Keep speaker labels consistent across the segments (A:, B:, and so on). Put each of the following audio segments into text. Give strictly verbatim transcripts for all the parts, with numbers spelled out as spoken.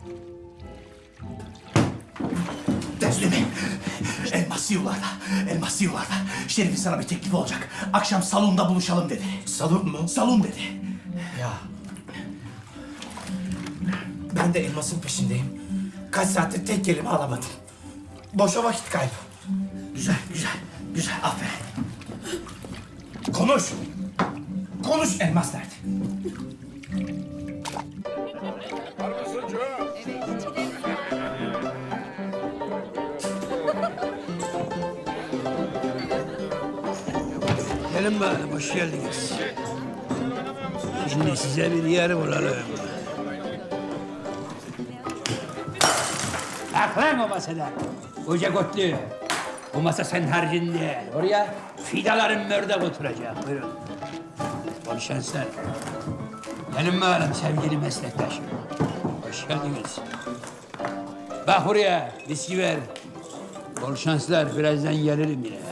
A: Teslimi. Elmas yuvarda. Elmas yuvarda. Şerif'in sana bir teklifi olacak. Akşam salonda buluşalım dedi.
B: Salon mu?
A: Salon dedi.
B: Ya. Ben de elmasın peşindeyim. Kaç saattir tek kelime alamadım. Boşa vakit kaybı.
A: Güzel, güzel, güzel. Aferin.
B: Konuş. Konuş elmas nerede?
C: Gelin bakalım, hoş geldiniz. Şimdi size bir yer bulalım. Kalk lan o masada. Koca kotlu. Bu masa senin harcın değil. Oraya fidaların mördek oturacak. Buyurun. Bol şanslar. Gelin bakalım sevgili meslektaşım. Hoş geldiniz. Bak buraya, viski ver. Bol şanslar, birazdan gelirim yine.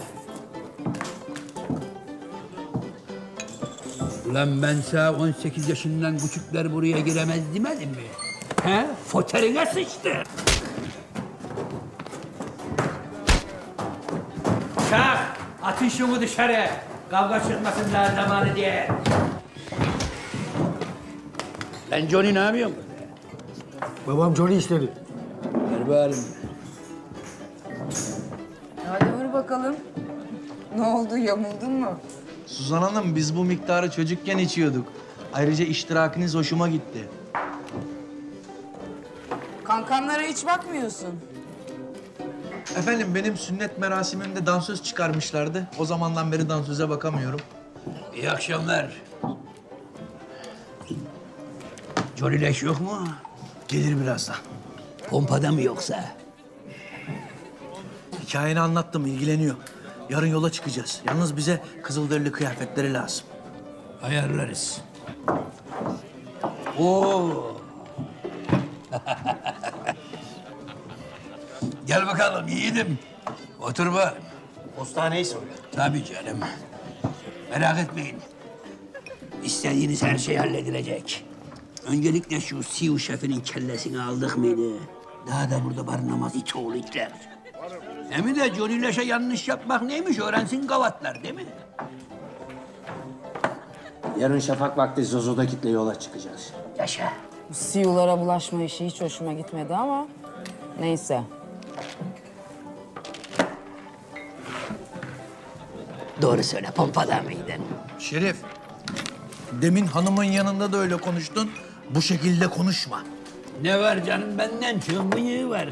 C: Ulan ben sana on sekiz yaşından küçükler buraya giremez demedim mi? He? Foterine sıçtı. Kalk, atın şunu dışarı. Kavga çıkmasın daha zamanı diye. Lan Johnny ne yapıyorsun burada?
D: Babam Johnny istedi.
C: Ver bağırın.
E: Hadi vur bakalım. Ne oldu, yamuldun mu?
F: Suzan Hanım, biz bu miktarı çocukken içiyorduk. Ayrıca iştirakiniz hoşuma gitti.
E: Kankanlara hiç bakmıyorsun.
F: Efendim, benim sünnet merasimimde dansöz çıkarmışlardı. O zamandan beri dansöze bakamıyorum.
C: İyi akşamlar. Johnny leş yok mu?
A: Gelir birazdan.
C: Pompada mı yoksa?
A: Hikayeni anlattım, ilgileniyor. Yarın yola çıkacağız. Yalnız bize kızılderili kıyafetleri lazım.
C: Ayarlarız. Oo. Gel bakalım yiğidim. Otur bak.
B: Postaneyi soruyor.
C: Tabii canım. Merak etmeyin. İstediğiniz her şey halledilecek. Öncelikle şu Siu şefinin kellesini aldık mıydı? Daha da burada barınamaz it oğlu itler. Hem de Johnny Leş'e yanlış yapmak neymiş öğrensin gavatlar değil mi?
D: Yarın şafak vakti Zozo'da kitle yola çıkacağız.
C: Yaşa.
E: Bu siyulara bulaşma işi hiç hoşuma gitmedi ama neyse.
C: Doğru söyle, pompada mıydın?
A: Şerif, demin hanımın yanında da öyle konuştun. Bu şekilde konuşma.
C: Ne var canım, benden çok bıyığı var.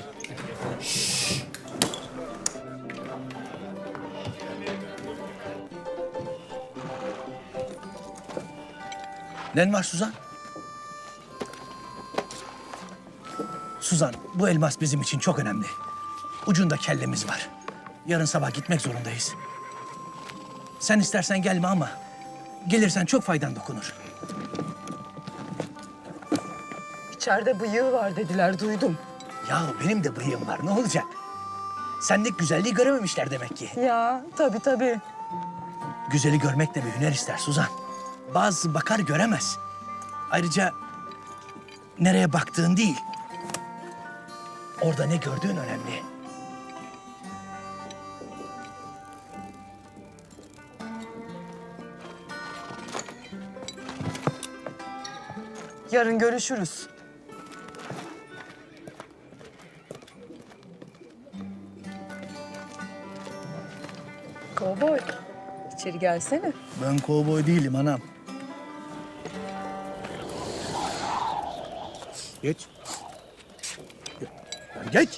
A: Ne var Suzan? Suzan, bu elmas bizim için çok önemli. Ucunda kellemiz var. Yarın sabah gitmek zorundayız. Sen istersen gelme ama gelirsen çok faydan dokunur.
E: İçeride bıyığı var dediler, duydum.
A: Ya benim de bıyığım var, ne olacak? Sendeki güzelliği görememişler demek ki.
E: Ya tabii tabii.
A: Güzeli görmek de bir hüner ister Suzan. Bazı bakar göremez. Ayrıca nereye baktığın değil, orada ne gördüğün önemli.
E: Yarın görüşürüz. Kovboy, içeri gelsene.
A: Ben kovboy değilim anam. Geç. Geç.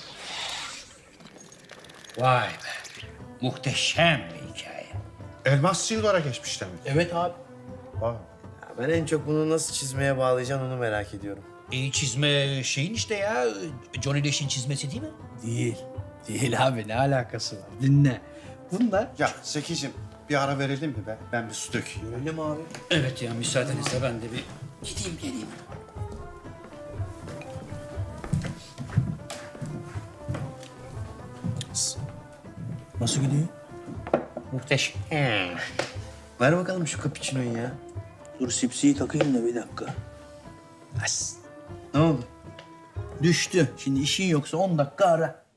C: Vay be, muhteşem bir hikaye.
G: Elmas yıllara geçmişler mi?
A: Evet abi.
G: Vay.
B: Ben en çok bunu nasıl çizmeye bağlayacaksın onu merak ediyorum.
H: E, çizme şeyin işte ya, Johnny Leş'in çizmesi değil mi?
A: Değil. Değil abi, ne alakası var? Dinle. Bunlar
G: Ya Zeki'cim bir ara verelim mi be? Ben bir su dökeyim.
B: Öyle mi abi?
H: Evet ya, müsaadenizle ben de bir gideyim geleyim.
A: nasıl gidiyor?
H: Muhteşem.
B: Ver bakalım şu cappuccino'yu ya.
A: Dur sipsiyi takayım da bir dakika.
B: Ne oldu?
A: Düştü. Şimdi işin yoksa on dakika ara.